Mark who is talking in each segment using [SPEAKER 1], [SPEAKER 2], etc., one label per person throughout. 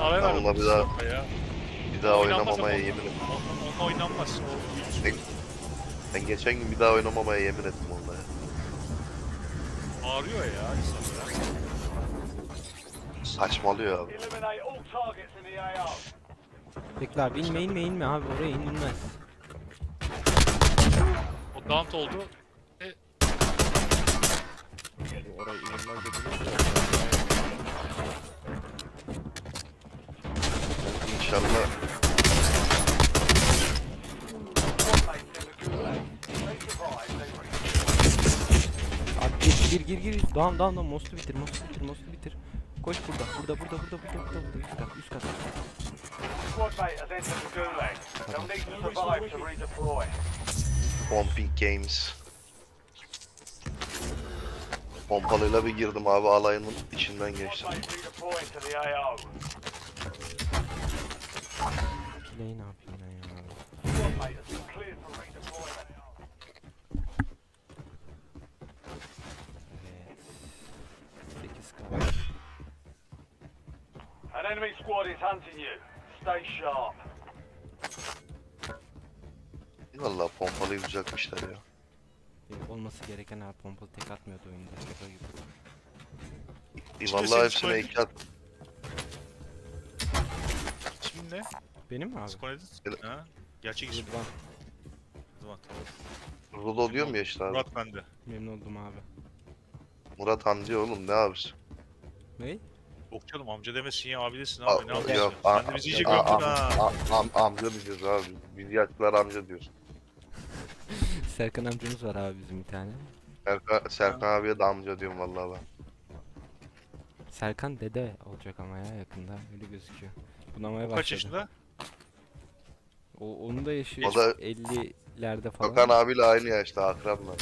[SPEAKER 1] Ara ver
[SPEAKER 2] Onunla bir daha oynamamaya yemin ettim.
[SPEAKER 1] Onunla oynanmaz.
[SPEAKER 2] Ben geçen gün bir daha oynamamaya yemin ettim onunla ya.
[SPEAKER 1] Ağrıyor ya insanlara.
[SPEAKER 2] Saçmalıyor abi.
[SPEAKER 3] Bekle abi inme abi oraya inilmez.
[SPEAKER 1] O down oldu.
[SPEAKER 4] Oraya inilmez dediniz ya.
[SPEAKER 2] İnşallah
[SPEAKER 3] Abi gir. Down most'u bitir. Koş burada. Üst kat.
[SPEAKER 2] Pumping Games. Pompalıyla bir girdim abi, alayının içinden geçtim.
[SPEAKER 3] Kileyi ne yapayım ben ya? Evet. 8 kaldı.
[SPEAKER 5] An enemy squad is hunting you. Stay sharp.
[SPEAKER 2] Vallahi pompalıyı düzeltmişler ya.
[SPEAKER 3] Olması gereken abi pompalı tek atmıyordu oyunda. Şaka gibi.
[SPEAKER 2] Vallahi hepsine iki at.
[SPEAKER 1] İsmin ne?
[SPEAKER 3] Benim mi abi?
[SPEAKER 1] Skonedis? Ha? Gerçek ismi.
[SPEAKER 3] Rıdvan.
[SPEAKER 1] Rıdvan, tamam.
[SPEAKER 2] Rudo diyor mu ya işte abi?
[SPEAKER 1] Murat bende.
[SPEAKER 3] Memnun oldum abi.
[SPEAKER 2] Murat amca oğlum, ne abisi?
[SPEAKER 3] Ne?
[SPEAKER 1] Yok canım, amca demesin ya, abidesin abi, ne yapıyorsun?
[SPEAKER 2] Yok,
[SPEAKER 1] Sen de bizi iyice gömdün ha.
[SPEAKER 2] amca diyeceğiz abi. Biz yaşlılar amca diyoruz.
[SPEAKER 3] Serkan amcamız var abi bizim bir tane.
[SPEAKER 2] Serkan abiye de amca diyorum vallahi ben.
[SPEAKER 3] Serkan dede olacak ama ya yakında öyle gözüküyor. Bunamaya
[SPEAKER 1] Kaç
[SPEAKER 3] başladı.
[SPEAKER 1] yaşında?
[SPEAKER 3] Onun da yaşı
[SPEAKER 2] O da
[SPEAKER 3] 50'lerde falan.
[SPEAKER 2] Gökhan abiyle aynı yaşta, akranlar.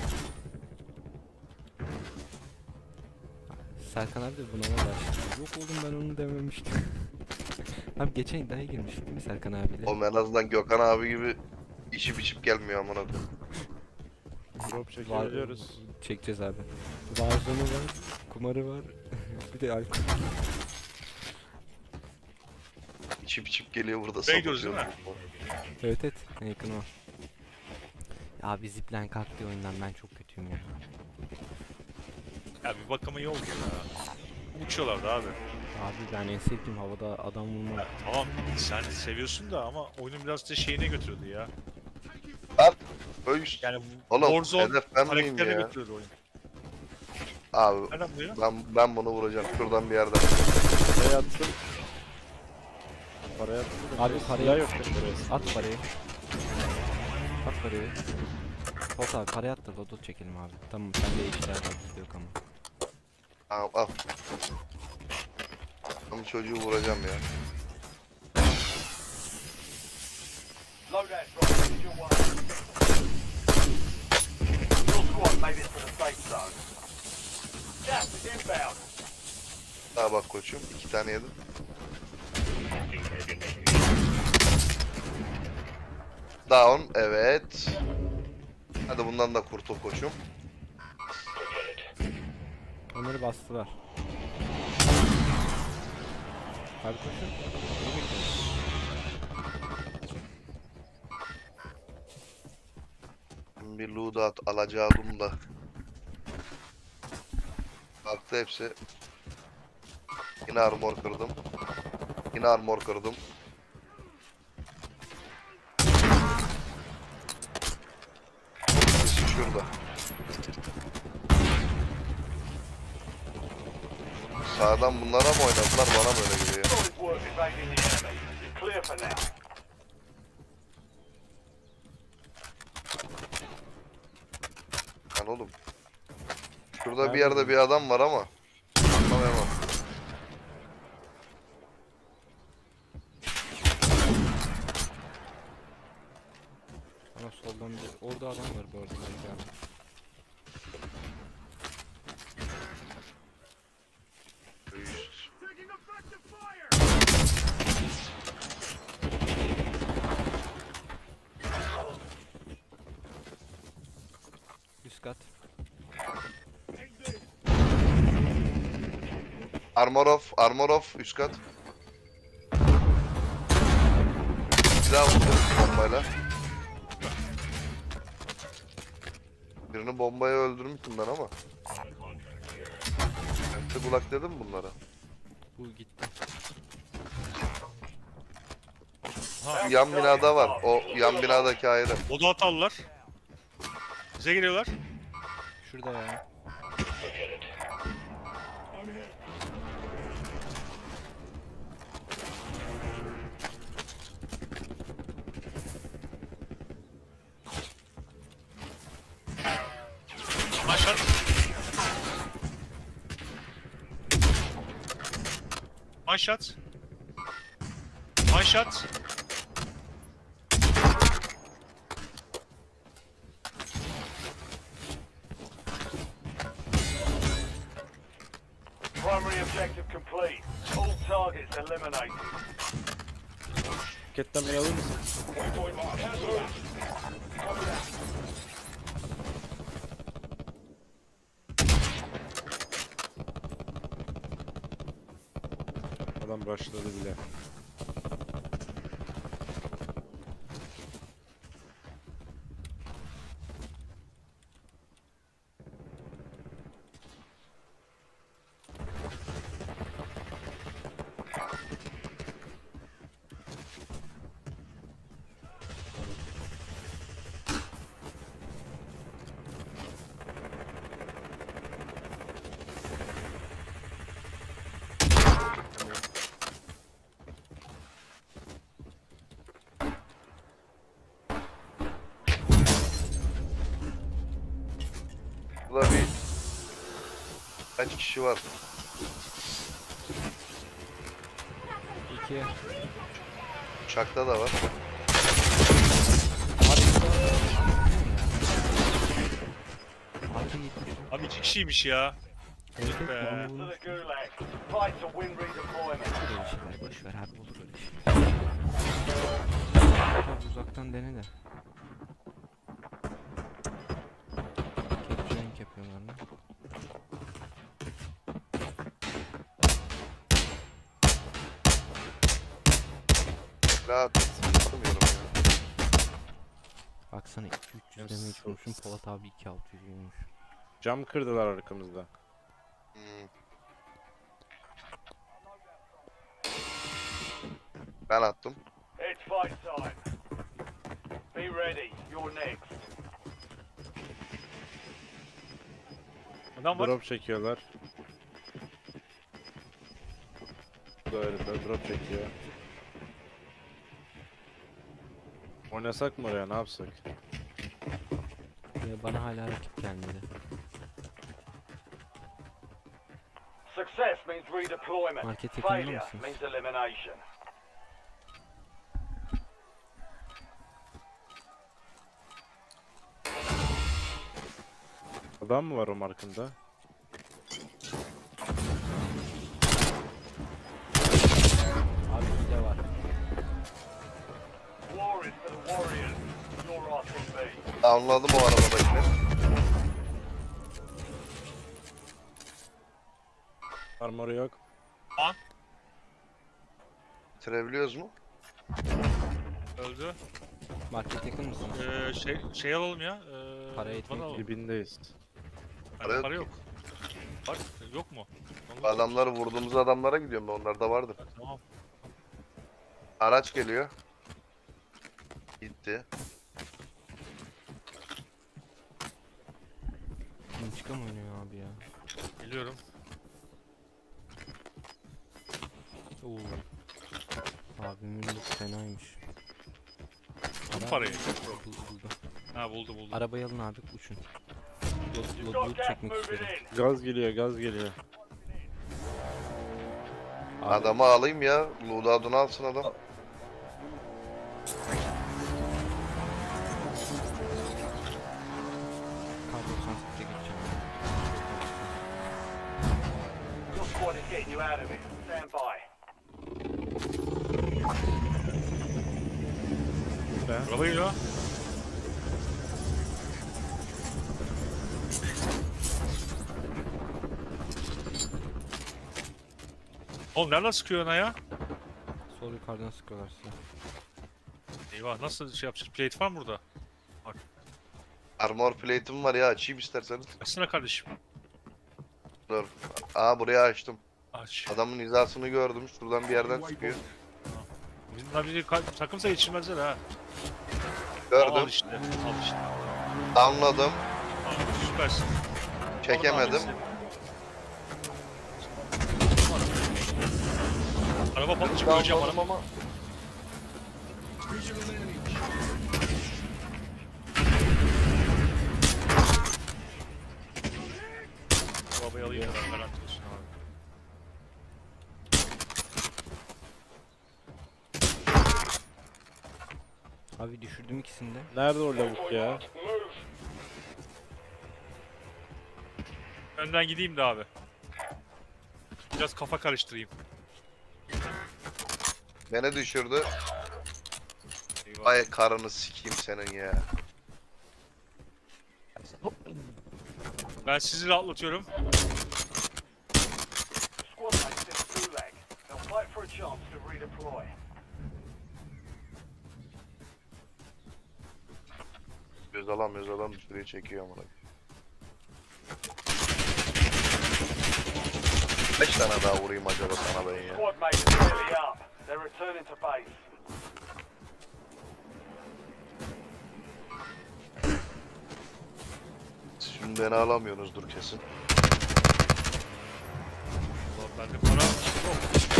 [SPEAKER 3] Serkan abi de bunama başladı. Yok oğlum ben onu dememiştim. Abi geçen iddiaya girmiştik değil mi Serkan abiyle?
[SPEAKER 2] O en azından Gökhan abi gibi içip içip gelmiyor amına koyayım.
[SPEAKER 4] Drop çekiyoruz.
[SPEAKER 3] Çekeceğiz abi. Warzone var, kumarı var, bir de alkol.
[SPEAKER 2] İçip geliyor burada,
[SPEAKER 1] Bey diyoruz
[SPEAKER 2] sapıtıyor.
[SPEAKER 3] Evet en yakın o. Abi zipline kalktı oyundan ben çok kötüyüm ya.
[SPEAKER 1] Ya bir bakıma iyi oldu ya. Uçuyorlardı abi.
[SPEAKER 3] Abi ben en sevdiğim havada adam vurma.
[SPEAKER 1] Ya, tamam sen seviyorsun da ama oyunun biraz da şeyine götürüyordu ya.
[SPEAKER 2] Öyle
[SPEAKER 1] Yani
[SPEAKER 2] oğlum,
[SPEAKER 1] Warzone
[SPEAKER 2] hedef ben miyim
[SPEAKER 1] karakterine
[SPEAKER 2] ya?
[SPEAKER 1] götürüyordu oyun.
[SPEAKER 2] Abi
[SPEAKER 1] Nereden buluyor?
[SPEAKER 2] ben bunu vuracağım şuradan bir yerden.
[SPEAKER 4] Parayı attım. Parayı attım.
[SPEAKER 3] Abi parayı
[SPEAKER 4] Silah yok benim buraya.
[SPEAKER 3] at parayı. At parayı. Ot abi parayı at da lodo çekelim abi. Tamam sende işler var bizde yok ama.
[SPEAKER 2] Tamam al. Ben bu çocuğu vuracağım ya.
[SPEAKER 5] Loadout drop is your way. Your squad made it to the safe zone. Gas is inbound.
[SPEAKER 2] Daha bak koçum, 2 tane yedim. Down, evet. Hadi bundan da kurtul koçum.
[SPEAKER 3] Onları bastılar. Abi koşun. Neyi bekliyorsun?
[SPEAKER 2] Bir loadout alacağım da. Baktı hepsi. Yine armor kırdım. Yine armor kırdım. Birisi şurada. Sağdan bunlara mı oynadılar, bana mı öyle geliyor?
[SPEAKER 5] Solid work evading the enemy. You're clear for now.
[SPEAKER 2] Lan oğlum. Şurada bir yerde bir adam var ama. Anlayamam.
[SPEAKER 3] Ama soldan bir... Orada adam var bu arada. belki abi. Üst kat.
[SPEAKER 2] Armor off üst kat. Bir daha vurdum bombayla. Birini bombaya öldürmüştüm ben ama. Hepsi kulak dedim bunlara.
[SPEAKER 3] Bu gitti.
[SPEAKER 2] Yan binada var. O yan binadaki ayrı.
[SPEAKER 1] Oda atarlar. Bize geliyorlar.
[SPEAKER 3] Şurada ya.
[SPEAKER 1] Aşağı. One shot. One shot.
[SPEAKER 5] Primary objective complete. All targets eliminated.
[SPEAKER 4] Paketlemeyi alır mısın? Adam rushladı bile.
[SPEAKER 2] Burada bir kaç kişi var?
[SPEAKER 3] 2.
[SPEAKER 2] Uçakta da var.
[SPEAKER 3] Artı gitti.
[SPEAKER 1] Abi 2 kişiymiş ya.
[SPEAKER 3] Evet,
[SPEAKER 1] be.
[SPEAKER 3] evet,
[SPEAKER 5] To
[SPEAKER 3] bunu
[SPEAKER 5] the gulag. Fight to win redeployment.
[SPEAKER 3] öyle şeyler boş ver abi, olur öyle şeyler. Biraz uzaktan dene de. Capturing yapıyorlar mı?
[SPEAKER 2] Rahat tutamıyorum ya.
[SPEAKER 3] Baksana 2-300 demeye çalışmışım, Polat abi 2-600 yiyormuş.
[SPEAKER 4] Cam kırdılar arkamızda.
[SPEAKER 2] Hmm. Ben attım.
[SPEAKER 5] It's fight time. Be ready. You're next.
[SPEAKER 1] Adam var.
[SPEAKER 4] Drop çekiyorlar. Bu da öyle de drop çekiyor. Oynasak mı oraya, ne yapsak?
[SPEAKER 3] Ya bana hala rakip gelmedi.
[SPEAKER 5] Success means redeployment.
[SPEAKER 3] Market yakında
[SPEAKER 5] Failure
[SPEAKER 3] mısınız?
[SPEAKER 5] means elimination.
[SPEAKER 4] Adam mı var o markında?
[SPEAKER 3] Abi bir de var.
[SPEAKER 5] War is for the warriors. You're RTB.
[SPEAKER 2] Anladım o arabadakini.
[SPEAKER 4] Armoru yok.
[SPEAKER 2] Bitirebiliyoruz mu?
[SPEAKER 1] Öldü.
[SPEAKER 3] Market yakın mısınız?
[SPEAKER 1] Şey alalım ya.
[SPEAKER 3] Para
[SPEAKER 1] bana
[SPEAKER 3] yetmiyor
[SPEAKER 1] alalım.
[SPEAKER 4] Dibindeyiz.
[SPEAKER 1] Para,
[SPEAKER 2] Para
[SPEAKER 1] para
[SPEAKER 2] yok
[SPEAKER 1] yok. Var yok mu?
[SPEAKER 2] Bu adamları vurduğumuz adamlara gidiyorum ben. Onlar da vardır.
[SPEAKER 1] Tamam.
[SPEAKER 2] Araç geliyor. Gitti.
[SPEAKER 3] İntikam oynuyor abi ya.
[SPEAKER 1] Geliyorum.
[SPEAKER 3] Oo. Abimin loot fenaymış.
[SPEAKER 1] Bu parayı.
[SPEAKER 3] Buldu.
[SPEAKER 1] Ha buldu.
[SPEAKER 3] Arabayı alın abi, uçun.
[SPEAKER 5] You've
[SPEAKER 3] Loot
[SPEAKER 5] got gas
[SPEAKER 3] çekmek
[SPEAKER 5] moving
[SPEAKER 3] istiyorum.
[SPEAKER 5] in.
[SPEAKER 4] Gaz geliyor, gaz geliyor.
[SPEAKER 3] Abi,
[SPEAKER 2] Adamı alayım ya. Loadout'unu alsın adam.
[SPEAKER 3] Kar 98'e geçeceğim.
[SPEAKER 5] Your squad is getting you out of it. Stand by.
[SPEAKER 4] Ne?
[SPEAKER 1] Araba geliyor. Oğlum nereden sıkıyor ona ya?
[SPEAKER 3] Sol yukarıdan sıkıyorlar size.
[SPEAKER 1] Eyvah nasıl şey yapacağız? Plate var mı burada?
[SPEAKER 2] Armor plate'im var ya, açayım isterseniz.
[SPEAKER 1] Açsana kardeşim.
[SPEAKER 2] Dur. Aa, burayı açtım.
[SPEAKER 1] Aç.
[SPEAKER 2] Adamın hizasını gördüm. Şuradan bir yerden çıkıyor.
[SPEAKER 1] Bunlar bizi takımsa geçirmezler ha. Al
[SPEAKER 2] Gördüm.
[SPEAKER 1] işte. Al işte.
[SPEAKER 2] Anladım.
[SPEAKER 1] Al, süpersin.
[SPEAKER 2] Çekemedim.
[SPEAKER 1] Araba patlayacak öleceğim
[SPEAKER 2] Anladım
[SPEAKER 1] araba.
[SPEAKER 2] ama.
[SPEAKER 1] Arabayı alayım da ben garanti olsun abi.
[SPEAKER 3] Abi düşürdüm ikisini de.
[SPEAKER 4] Nerede o lavuk ya?
[SPEAKER 1] Önden gideyim de abi. Biraz kafa karıştırayım.
[SPEAKER 2] Beni düşürdü.
[SPEAKER 1] Eyvah.
[SPEAKER 2] Ay karını sikeyim senin ya.
[SPEAKER 1] Ben sizi rahatlatıyorum.
[SPEAKER 5] Squad mates in the gulag. They'll fight for a chance to redeploy.
[SPEAKER 2] Göz alam sürüye çekiyor amına. 5 tane daha vurayım acaba sana ben ya.
[SPEAKER 5] Squad mates are nearly up. They're returning to base.
[SPEAKER 2] Şimdi beni alamıyorsunuzdur kesin.
[SPEAKER 1] Ulan bende para yok.